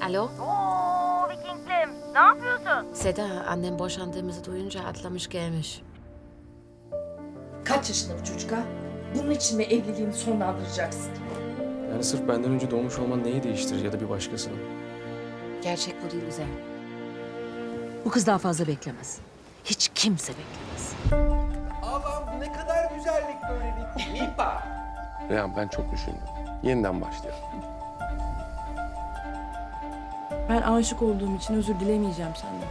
Alo? Oo Vikinglim, ne yapıyorsun? Seda, annem boşandığımızı duyunca atlamış gelmiş. Kaç yaşında bu çocuk ha? Bunun için mi evliliğini sonlandıracaksın? Yani sırf benden önce doğmuş olman neyi değiştirir ya da bir başkasının? Gerçek bu değil Üzer. Bu kız daha fazla beklemez. Hiç kimse beklemez. Allah'ım ne kadar güzellik böylelik. Mipa. Reyhan ben çok düşündüm. Yeniden başlayalım. Ben aşık olduğum için özür dilemeyeceğim senden.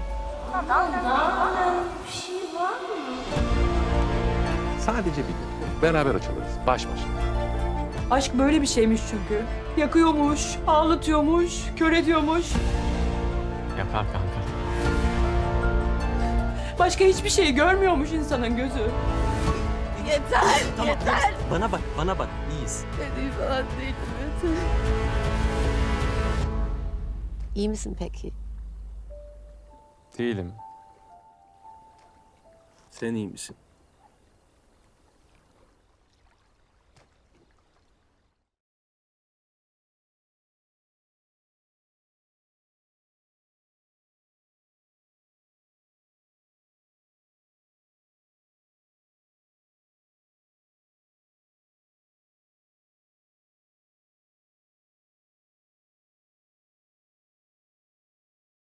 Sadece bir gün. Beraber açılırız. Baş başa. Aşk böyle bir şeymiş çünkü. Yakıyormuş, ağlatıyormuş, kör ediyormuş. Yapar kanka. Başka hiçbir şey görmüyormuş insanın gözü. Bana bak. İyiyiz. İyi misin peki? Değilim. Sen iyi misin?